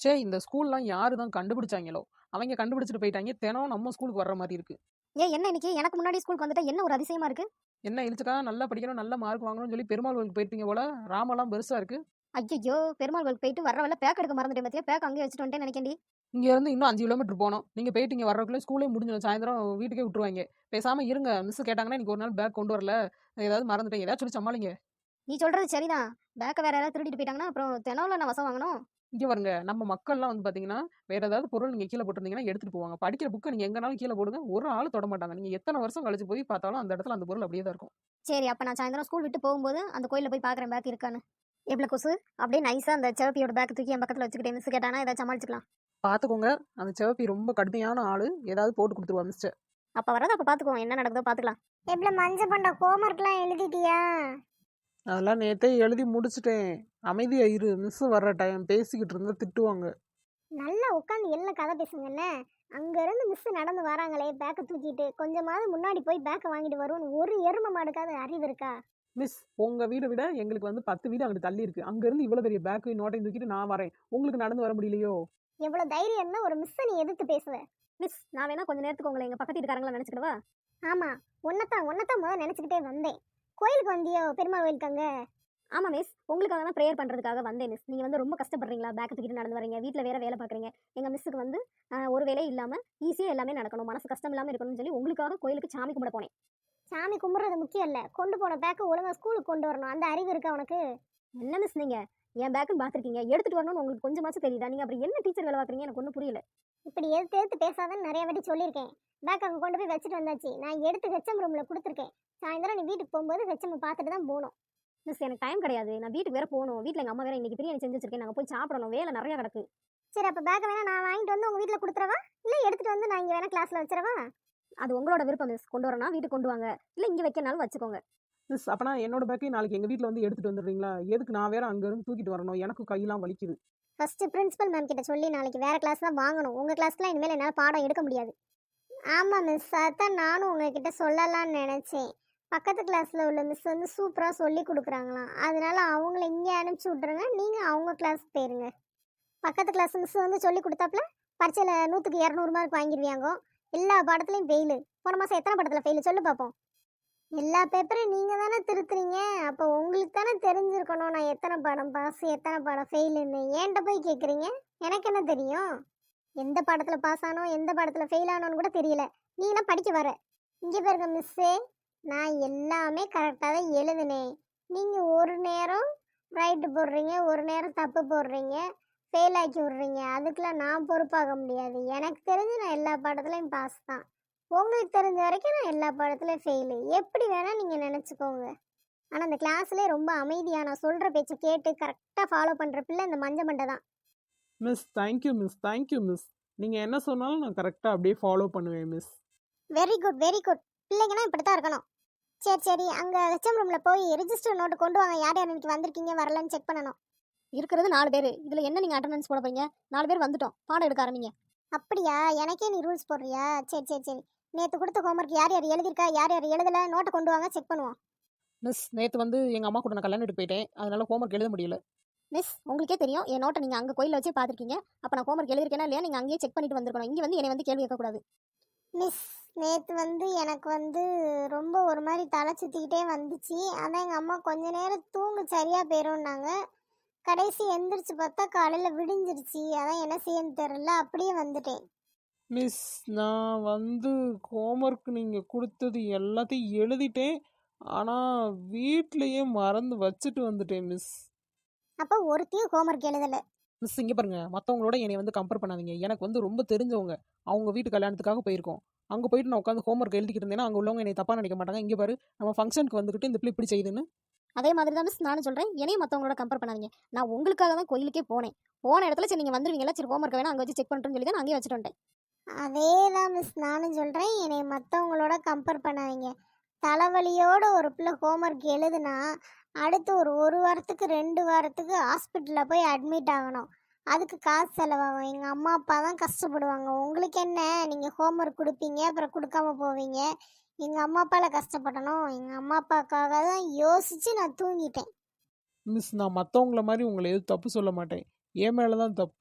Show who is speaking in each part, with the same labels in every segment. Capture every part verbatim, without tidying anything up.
Speaker 1: ச்சே! இந்த ஸ்கூல்லாம் யாரு தான் கண்டுபிடிச்சாய்ங்களோ! அவைங்க கண்டுபிடிச்சுட்டு போயிட்டாய்ங்க. தினம் நம்ம ஸ்கூலுக்கு வர்ற மாரி இருக்கு.
Speaker 2: ஏன் என்ன இன்னைக்கு எனக்கு முன்னாடி ஸ்கூலுக்கு வந்துட்டா என்ன ஒரு அதிசயமா இருக்கு?
Speaker 1: என்ன இழுச்சுக்கா நல்லா படிக்கணும், நல்ல மார்க் வாங்கணும்னு சொல்லி பெருமாள் கோயிலுக்கு போயிருப்பீங்க போல. ராமெல்லாம் பெருசா இருக்கு.
Speaker 2: ஐய்யய்யோ! பெருமாள் கோயிலுக்கு போயிட்டு வர வழில பேக் எடுக்க மறந்துட்டேன் பாத்தியா? பேக் அங்கேயே வச்சுட்டு வந்துட்டேன்னு நெனைக்கேன்டி.
Speaker 1: இங்க இருந்து இன்னும் அஞ்சு கிலோமீட்டர் போணும். நீங்க போயிட்டு இங்க வர்றதுக்குள்ள ஸ்கூலே முடிஞ்சிடும். சாயந்தரம் வீட்டுக்கே விட்டுருவாய்ங்க. பேசாம இருங்க. மிஸ் கேட்டாங்கன்னா, "இன்னைக்கு ஒரு நாள் பேக் கொண்டு வரல. ஏதாவது மறந்துட்டேன்." ஏதாவது சொல்லி சமாளிங்க.
Speaker 2: நீ சொல்றது சரிதான். பேக்க வேற யாராவது திருடிட்டு போயிட்டாங்கன்னா, அப்புறம் தினம்ல நான் வசம் வாங்கணும்.
Speaker 1: இங்க பாருங்க, நம்ம மக்கள்லாம் வந்து பாத்தீங்கன்னா, வேற ஏதாவது பொருள் நீங்க கீழ போட்டிருந்தீங்கன்னா எடுத்துட்டு போவாங்க. படிக்கிற புக்க நீங்க எங்கனாலும் கீழ போடுங்க. ஒரு ஆளு தொடமாட்டாங்க. நீங்க எத்தன வருஷம் கழிச்சு போய் பார்த்தாலும் அந்த இடத்துல அந்த பொருள் அப்படியே தான் இருக்கும்.
Speaker 2: சரி, அப்ப நான் சாயந்தரம் ஸ்கூல் விட்டு போகும்போது அந்த கோயில்ல போய் பார்க்குறேன் பேக் இருக்கான்னு. எவ்ளோ கொசு? அப்படியே நைஸா அந்த சிவப்பியோட பேக் தூக்கி என் பக்கத்துல வச்சுக்கிட்டேன். மிஸ் கேட்டானா ஏதாவது சமாளிச்சுக்கலாம்.
Speaker 1: பாத்துக்கோங்க. அந்த சிவப்பி ரொம்ப கடுமையான ஆளு. ஏதாவது போட்டு குடுத்துருவா மிஸ்டர்.
Speaker 2: அப்ப வரத அப்ப பாத்துக்குவோம். என்ன நடக்குதோ பாத்துக்கலாம்.
Speaker 3: எவ்வளோ மஞ்ச பண்ட ஹோம்ஒர்க்லாம் எழுதிட்டியா?
Speaker 1: அதெல்லாம் நேத்தே எழுதி முடிச்சுட்டேன். அமைதியா இரு. மிஸ் வர்ற டைம் பேசிக்கிட்டு இருந்தா திட்டுவாங்க.
Speaker 3: நல்லா உட்காந்து எல்லாம் கதை பேசுங்கண்ணே. அங்கேருந்து மிஸ் நடந்து வராங்களே பேக்கை தூக்கிட்டு, கொஞ்சமாவது முன்னாடி போய் பேக்கை வாங்கிட்டு வருவோன்னு ஒரு எருமை மாடுக்காவது அறிவு இருக்கா?
Speaker 1: மிஸ் உங்க வீட விட எங்களுக்கு வந்து பத்து வீடு அங்கிட்டு தள்ளி இருக்கு. அங்க இருந்து இவ்வளவு பெரிய பேக்கையும் நோட்டையும் தூக்கிட்டு நான் வரேன். உங்களுக்கு நடந்து வர முடியலையோ?
Speaker 3: எவ்வளோ தைரியம் இருந்தால் ஒரு மிஸ்ஸை நீ எதிர்த்து பேசுவ?
Speaker 2: மிஸ், நான் வேணா கொஞ்ச நேரத்துக்கு உங்களை எங்க பக்கத்து வீட்டுக்காரங்களா நினைச்சுக்கிடவா?
Speaker 3: ஆமாம், ஒன்னத்தான் ஒன்னத்தான் முதல் நினச்சிக்கிட்டே வந்தேன். கோயிலுக்கு வந்தியோ? பெருமாள் கோயிலுக்கு அங்கே?
Speaker 2: ஆமா மிஸ், உங்களுக்காக தான் ப்ரேயர் பண்றதுக்காக வந்தேன் மிஸ். நீங்க வந்து ரொம்ப கஷ்டப்படுறீங்களா? பேக் தூக்கிட்டு நடந்து வரீங்க, வீட்ல வேற வேலை பார்க்குறீங்க. எங்க மிஸ்ஸுக்கு வந்து ஆஹ், ஒரு வேலையும் இல்லாம ஈஸியா எல்லாமே நடக்கணும், மனசு கஷ்டம் இல்லாம இருக்கணும்னு சொல்லி உங்களுக்காக கோயிலுக்கு சாமி கும்பிட போனேன்.
Speaker 3: சாமி கும்பிட்றது முக்கியம் இல்லை, கொண்டு போன பேக்கை ஒழுங்காக ஸ்கூலுக்கு கொண்டு வரணும். அந்த அறிவு இருக்கா உனக்கு?
Speaker 2: என்ன மிஸ் நீங்க என் பேக்குன்னு பார்த்துருக்கீங்க, எடுத்துட்டு வரணும்னு உங்களுக்கு கொஞ்சமாச்சும் தெரியுதா? நீங்க அப்புறம் என்ன டீச்சர் வேலை பார்க்குறீங்க? எனக்கு ஒன்றும் புரியல.
Speaker 3: இப்படி எடுத்து எடுத்து பேசாதன்னு நிறைய வாட்டி சொல்லியிருக்கேன். பேக் அங்கே கொண்டு போய் வச்சுட்டு வந்தாச்சு. நான் எடுத்து ஹெச்எம் ரூமில் கொடுத்துருக்கேன். சாயந்தரம் நீ வீட்டுக்கு போகும்போது ஹெச்எம் பார்த்துட்டு தான் போகணும்.
Speaker 2: மிஸ், எனக்கு டைம் கிடையாது. நான் வீட்டுக்கு வேற போகணும். வீட்டில் எங்கள் அம்மா வேற இன்னைக்கு பிரியாணி செஞ்சு வச்சிருக்கேன். நாங்கள் போய் சாப்பிடணும். வேலை நிறைய கிடக்கு.
Speaker 3: சரி, அப்போ பேக்கை வேணா நான் வாங்கிட்டு வந்து உங்கள் வீட்டில் கொடுத்துறவா? இல்லை எடுத்துகிட்டு வந்து நான் இங்கே வேணா கிளாஸில் வச்சிடவா?
Speaker 2: அது உங்களோட விருப்பம் மிஸ். கொண்டு வரணும் வீட்டுக்கு கொண்டு வாங்க, இல்லை இங்கே வைக்கனாலும் வச்சுக்கோங்க.
Speaker 1: மிஸ் அப்பனா என்னோட பேக்கையும் நாளைக்கு எங்க வீட்ல வந்து எடுத்துட்டு வந்துடுறீங்களா? எதுக்கு நான் வேற அங்க இருந்து தூக்கிட்டு வரணும்? எனக்கு கையெல்லாம் வலிக்குது.
Speaker 3: ஃபஸ்ட்டு பிரின்சிபல் மேம் கிட்ட சொல்லி நாளைக்கு வேறு கிளாஸ் தான் வாங்கணும். உங்கள் கிளாஸ்க்குலாம் இனிமேல் என்னால் பாடம் எடுக்க முடியாது. ஆமாம் மிஸ், அதான் நானும் உங்ககிட்ட சொல்லலாம்னு நினச்சேன். பக்கத்து கிளாஸில் உள்ள மிஸ் வந்து சூப்பராக சொல்லி கொடுக்குறாங்களாம். அதனால அவங்கள இங்கே அனுப்பிச்சி விட்ருங்க, நீங்கள் அவங்க கிளாஸ்க்கு போயிருங்க. பக்கத்து கிளாஸ் மிஸ் வந்து சொல்லி கொடுத்தாப்புல பரீட்சையில் நூற்றுக்கு இரநூறு மார்க் வாங்கிடுவாங்க. எல்லா பாடத்துலையும் ஃபெயிலு. போன மாதம் எத்தனை படத்தில் ஃபெயிலு சொல்லு பார்ப்போம். எல்லா பேப்பரையும் நீங்கள் தானே திருத்துறீங்க. அப்போ உங்களுக்கு தானே தெரிஞ்சிருக்கணும் நான் எத்தனை பாடம் பாஸ் எத்தனை பாடம் ஃபெயிலுன்னு. ஏன்ட்ட போய் கேட்குறீங்க? எனக்கு என்ன தெரியும்? எந்த பாடத்தில் பாஸ் ஆனோ எந்த பாடத்தில் ஃபெயில் ஆனோன்னு கூட தெரியல. நீங்கன்னா படிக்க வர. இங்கே பாருங்க மிஸ்ஸே, நான் எல்லாமே கரெக்டாக தான் எழுதுனேன். நீங்கள் ஒரு நேரம் ரைட்டு போடுறீங்க, ஒரு நேரம் தப்பு போடுறீங்க, ஃபெயில் ஆக்கி விட்றீங்க. அதுக்கெலாம் நான் பொறுப்பாக முடியாது. எனக்கு தெரிஞ்சு நான் எல்லா பாடத்துலையும் பாஸ் தான். உங்களுக்கு தெரிஞ்ச வரைக்கும் நான் எல்லா பாடத்துலையும் ஃபெயிலு. எப்படி வேணால் நீங்கள் நினச்சிக்கோங்க. ஆனால் அந்த கிளாஸ்லேயே ரொம்ப அமைதியாக நான் சொல்கிற பேச்சை கேட்டு கரெக்டாக ஃபாலோ பண்ணுற பிள்ளை இந்த மஞ்ச மண்டை தான்.
Speaker 1: Miss thank you miss thank you miss. நீங்க என்ன சொன்னாலும் நான் கரெக்டா அப்படியே ஃபாலோ பண்ணுவேன் miss.
Speaker 3: Very good very good. பிள்ளைங்கன்னா இப்படி தான் இருக்கணும். சரி சரி, அங்கே ஹெச்எம் ரூமில் போய் ரிஜிஸ்டர் நோட்டு கொண்டு வாங்க. யார் யார் இன்னைக்கு வந்திருக்கீங்க வரலன்னு செக் பண்ணணும்.
Speaker 2: இருக்கிறது நாலு பேர். இதில் என்ன நீங்கள் அட்டண்டன்ஸ் போட போறீங்க? நாலு பேர் வந்துட்டோம், பாடம் எடுக்க ஆரம்பிங்க.
Speaker 3: அப்படியா? எனக்கே நீ ரூல்ஸ் போடுறியா? சரி சரி சரி. நேற்று கொடுத்த ஹோம்ஒர்க் யார் யார் எழுதியிருக்கா யார் யார் எழுதலை நோட்டை கொண்டு வாங்க, செக் பண்ணுவோம்.
Speaker 1: மிஸ் நேத்து வந்து எங்க அம்மா கூட நான் கல்யாணம் வீட்டுக்கு போயிட்டேன். அதனால ஹோம்ஒர்க் எழுத முடியல.
Speaker 2: மிஸ், உங்களுக்கே தெரியும் என் நோட்டை நீங்கள் அங்கே கோயிலில் வச்சே பார்த்துருக்கீங்க. அப்போ நான் ஹோம்ஒர்க் எழுதிருக்கேனா இல்லையா நீங்கள் அங்கேயே செக் பண்ணிட்டு வந்திருக்கணும். இங்கே வந்து என்னை வந்து கேள்வி கேட்கக்கூடாது.
Speaker 3: மிஸ், நேற்று வந்து எனக்கு வந்து ரொம்ப ஒரு மாதிரி தலை சுற்றிக்கிட்டே வந்துச்சு. அதான் எங்கள் அம்மா கொஞ்ச நேரம் தூங்கு சரியாக போயிடும்னாங்க. கடைசி எந்திரிச்சு பார்த்தா காலையில் விடிஞ்சிருச்சு. அதான் என்ன செய்யன்னு தெரில, அப்படியே வந்துட்டேன்.
Speaker 1: மிஸ் நான் வந்து ஹோம்ஒர்க் நீங்க கொடுத்தது எல்லாத்தையும் எழுதிட்டேன். ஆனா வீட்லயே மறந்து வச்சுட்டு வந்துட்டேன் மிஸ்.
Speaker 3: அப்போ ஒருத்தையும் ஹோம்ஒர்க் எழுதலை.
Speaker 1: மிஸ் இங்க பாருங்க, மத்தவங்களோட என்னை வந்து கம்பேர் பண்ணாதீங்க. எனக்கு வந்து ரொம்ப தெரிஞ்சவங்க. அவங்க வீட்டு கல்யாணத்துக்காக போயிருக்கோம். அங்க போயிட்டு நான் உட்காந்து ஹோம்ஒர்க் எழுதிக்கிட்டு இருந்தேன்னா அங்க உள்ளவங்க என்னை தப்பா நினைக்க மாட்டாங்க. இங்க பாரு, நம்ம ஃபங்க்ஷனுக்கு வந்துக்கிட்டு இந்த பிள்ளை இப்படி செய்யுதுன்னு.
Speaker 2: அதே மாதிரி தான் மிஸ் நானும் சொல்கிறேன், என்னையும் மற்றவங்களோட கம்பேர் பண்ணாதீங்க. நான் உங்களுக்காக தான் கோயிலுக்கே போனேன். போன இடத்துல சரி நீங்கள் வந்துருவீங்களா, சரி ஹோம்ஒர்க் வேணா அங்கே வச்சு செக் பண்ணுறேன்னு சொல்லி தான் நான் அங்கேயே வச்சுட்டு வந்துட்டேன்.
Speaker 3: அதே தான் மிஸ் நானும் சொல்கிறேன், என்னை மற்றவங்களோட கம்பேர் பண்ணாதீங்க. தலைவலியோட ஒரு பிள்ளை ஹோம்ஒர்க் எழுதுனா அடுத்து ஒரு ஒரு வாரத்துக்கு ரெண்டு வாரத்துக்கு ஹாஸ்பிட்டலில் போய் அட்மிட் ஆகணும். அதுக்கு காசு செலவாகும். எங்கள் அம்மா அப்பா தான் கஷ்டப்படுவாங்க. உங்களுக்கு என்ன, நீங்கள் ஹோம்ஒர்க் கொடுப்பீங்க அப்புறம் கொடுக்காம போவீங்க. எங்கள் அம்மா அப்பாவில் கஷ்டப்படணும். எங்கள் அம்மா அப்பாவுக்காக தான் யோசித்து நான் தூங்கிட்டேன்.
Speaker 1: மிஸ் நான் மற்றவங்கள மாதிரி உங்களை எதுவும் தப்பு சொல்ல மாட்டேன். என் மேலே தான் தப்பு.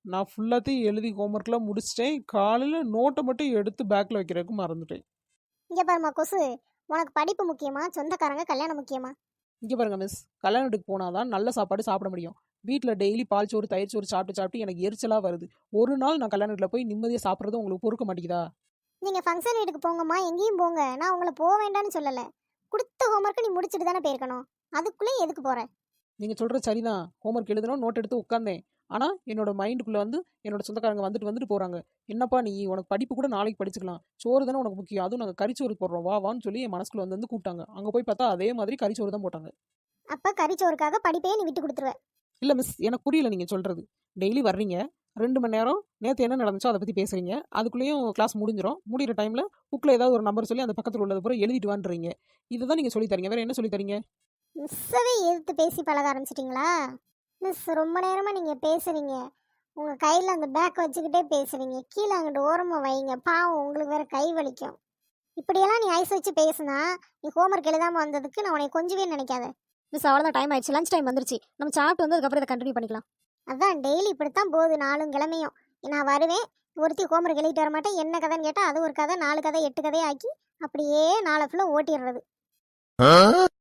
Speaker 1: நான் ஃபுல்லாத்தையும் எழுதி ஹோம்ஒர்க்லாம் முடிச்சிட்டேன். காலையில் நோட்டை மட்டும் எடுத்து பேக்கில் வைக்கிறதுக்கு மறந்துட்டேன்.
Speaker 3: இங்கே பாருமா கொசு, உனக்கு படிப்பு முக்கியமா சொந்தக்காரங்க கல்யாணம் முக்கியமா?
Speaker 1: இங்கே பாருங்க மிஸ், கல்யாண வீட்டுக்கு போனால் தான் நல்ல சாப்பாடு சாப்பிட முடியும். வீட்டில் டெய்லி பால் சோறு தயிர் சோறு சாப்பிட்டு சாப்பிட்டு எனக்கு எரிச்சலாக வருது. ஒரு நாள் நான் கல்யாண வீட்டில் போய் நிம்மதியாக சாப்பிட்றது உங்களுக்கு பொறுக்க மாட்டேங்குதா?
Speaker 3: நீங்கள் ஃபங்க்ஷன் வீட்டுக்கு போங்கம்மா, எங்கேயும் போங்க. நான் உங்களை போக வேண்டாம்னு சொல்லலை. கொடுத்த ஹோம்ஒர்க்கை நீ முடிச்சுட்டு தானே போயிருக்கணும். அதுக்குள்ளே எதுக்கு போகிற?
Speaker 1: நீங்கள் சொல்கிறது சரிதான். ஹோம்ஒர்க் எழுதணும் நோட் எடுத்து உட்காந்தேன். ஆனால் என்னோட மைண்டுக்குள்ளே வந்து என்னோட சொந்தக்காரங்க வந்துட்டு வந்துட்டு போகிறாங்க. என்னப்பா நீ உனக்கு படிப்பு கூட நாளைக்கு படிச்சுக்கலாம், சோறு தானே உனக்கு முக்கியம், அதுவும் நாங்கள் கறிச்சோறு போடுறோம் வா வான்னு சொல்லி என் மனசுக்குள்ள வந்து வந்து கூப்பிட்டாங்க. அங்கே போய் பார்த்தா அதே மாதிரி கறிச்சோறு தான் போட்டாங்க.
Speaker 3: அப்போ கறிச்சோறுக்காக படிப்பையே நீ விட்டு கொடுத்துருவ?
Speaker 1: இல்லை மிஸ், எனக்கு புரியல நீங்கள் சொல்கிறது. டெய்லி வர்றீங்க, ரெண்டு மணி நேரம் நேற்று என்ன நடந்துச்சோ அதை பற்றி பேசுகிறீங்க. அதுக்குள்ளேயும் கிளாஸ் முடிஞ்சிடும். முடிகிற டைமில் புக்கில் ஏதாவது ஒரு நம்பர் சொல்லி அந்த பக்கத்தில் உள்ளது பூரா எழுதிட்டு வான்றீங்க. இதுதான் நீங்கள் சொல்லி தரீங்க, வேறு என்ன சொல்லி தரீங்க?
Speaker 3: மிஸ்ஸவே எதிர்த்து பேசி பழக ஆரம்பிச்சிட்டிங்களா? மிஸ் ரொம்ப நேரமாக நீங்கள் பேசுகிறீங்க. உங்கள் கையில் அந்த பேக் வச்சுக்கிட்டே பேசுகிறீங்க. கீழே அங்கிட்டு ஓரமாக வைங்க, பாவம் உங்களுக்கு வேறு கை வலிக்கும். இப்படியெல்லாம் நீ ஐஸ் வச்சு பேசுனா நீ ஹோம்ஒர்க் எழுதாமல் வந்ததுக்கு நான் உனக்கு கொஞ்சவே நினைக்காத.
Speaker 2: மிஸ் அவ்வளோதான், டைம் ஆயிடுச்சு, லஞ்ச் டைம் வந்துருச்சு. நம்ம சாப்பிட்டு வந்து அதுக்கப்புறம் இதை கண்டினியூ பண்ணிக்கலாம்.
Speaker 3: அதான் டெய்லி இப்படித்தான் போகுது. நாலும் கிழமையும் நான் வருவேன், ஒருத்தி ஹோம்ஒர்க் எழுதிட்டு வர மாட்டேன். என்ன கதைன்னு கேட்டால் அது ஒரு கதை, நாலு கதை, எட்டு கதையை ஆக்கி அப்படியே நாளை ஃபுல்லாக ஓட்டிடுறது.